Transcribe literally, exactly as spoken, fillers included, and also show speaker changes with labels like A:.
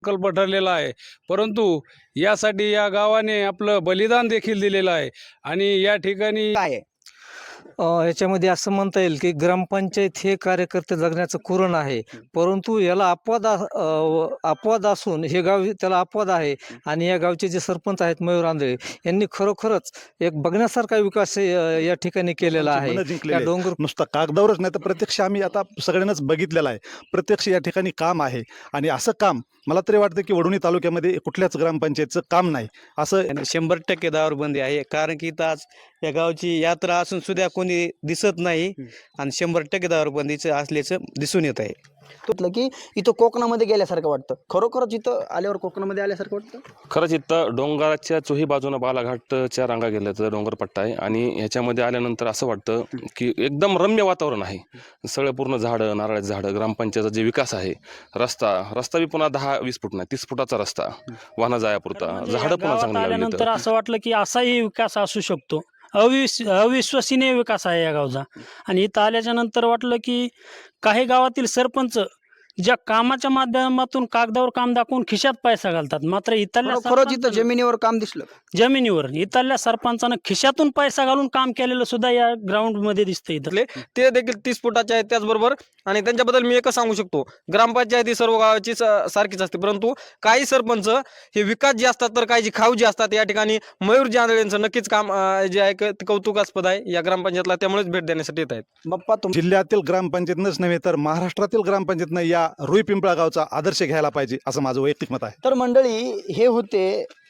A: प्रकल्प ठरलेला आहे, परंतु यासाठी या गावाने आपलं बलिदान देखील दिलेलं आहे आणि या ठिकाणी
B: काय आहे?
C: अ, याच्यामध्ये असं म्हणता येईल की ग्रामपंचायत हे कार्यकर्ते जगण्याचं कुरण आहे, परंतु याला अपवाद अ, व- अपवाद असून हे गाव त्याला अपवाद आहे. आणि या गावचे जे सरपंच आहेत मयूर आंधळे यांनी खरोखरच एक बघण्यासारखा विकास अ, या ठिकाणी केलेला आहे.
D: मनं
C: या
D: जिंकलेली आहेत.
C: डोंगर
D: नुसता कागदावरच नाही तर प्रत्यक्ष आम्ही आता सगळ्यांनाच बघितलेलं आहे. प्रत्यक्ष या ठिकाणी काम आहे आणि असं काम मला तरी वाटतं की वडवणी तालुक्यामध्ये कुठल्याच ग्रामपंचायतचं काम नाही असं
E: आणि शंभर टक्के दारूबंदी आहे. कारण की इथं आज या गावची यात्रा असून सुद्धा कोणी दिसत नाही आणि शंभर टक्के दारूबंदीचं असल्याचं दिसून येत आहे.
B: म्हटलं की इथं कोकणामध्ये गेल्यासारखं वाटतं. खरोखरच इथं आल्यावर कोकणामध्ये आल्यासारखं वाटतं.
F: खरंच इथं डोंगराच्या चोही बाजूनं बालाघाटच्या रांगा गेल्याचं डोंगरपट्टा आहे आणि ह्याच्यामध्ये आल्यानंतर असं वाटतं की एकदम रम्य वातावरण आहे. सगळं पूर्ण झाडं, नारळाची झाडं, ग्रामपंचायतचा जे विकास आहे, रस्ता रस्ता बी पुन्हा दहा वीस फूट नाही तीस फुटाचा रस्ता वाहनं जायापुरता,
G: म्हणजे या
F: झाडं पुन्हा
G: गावात
F: चांगली लावली
G: आल्यानंतर
F: तर
G: असं वाटलं की असाही विकास असू शकतो. अविस अविश्वसनीय विकास आहे या गावचा. आणि इथं आल्याच्या नंतर वाटलं की काही गावातील सरपंच ज्या कामाच्या माध्यमातून कागदावर काम दाखवून खिशात पैसा घालतात, मात्र इथल्या
B: खरोखरच इथं जमिनीवर काम दिसलं.
G: जमिनीवर इथल्या सरपंचानं खिशातून पैसा घालून काम केलेलं सुद्धा या ग्राउंड मध्ये दिसतं इथं.
H: ते देखील तीस फुटाचे आहेत. त्याचबरोबर आणि त्यांच्याबद्दल मी एकच सांगू शकतो, ग्रामपंचायत ही सर्व गावाची स- सारखीच असते, परंतु काही सरपंच हे विकास जे असतात तर काही जी खाऊ जी असतात. या ठिकाणी मयूर आंधळेंचं नक्कीच काम अं, जे आहे ते कौतुकास्पद आहे या ग्रामपंचायतला, त्यामुळेच भेट देण्यासाठी येत आहेत.
B: बाप्पा तुम
D: जिल्ह्यातील ग्रामपंचायतनंच नव्हे तर महाराष्ट्रातील ग्रामपंचायतनं या रुई पिंपळा गावचा आदर्श घ्यायला पाहिजे असं माझं वैयक्तिक मत आहे.
B: तर मंडळी हे होते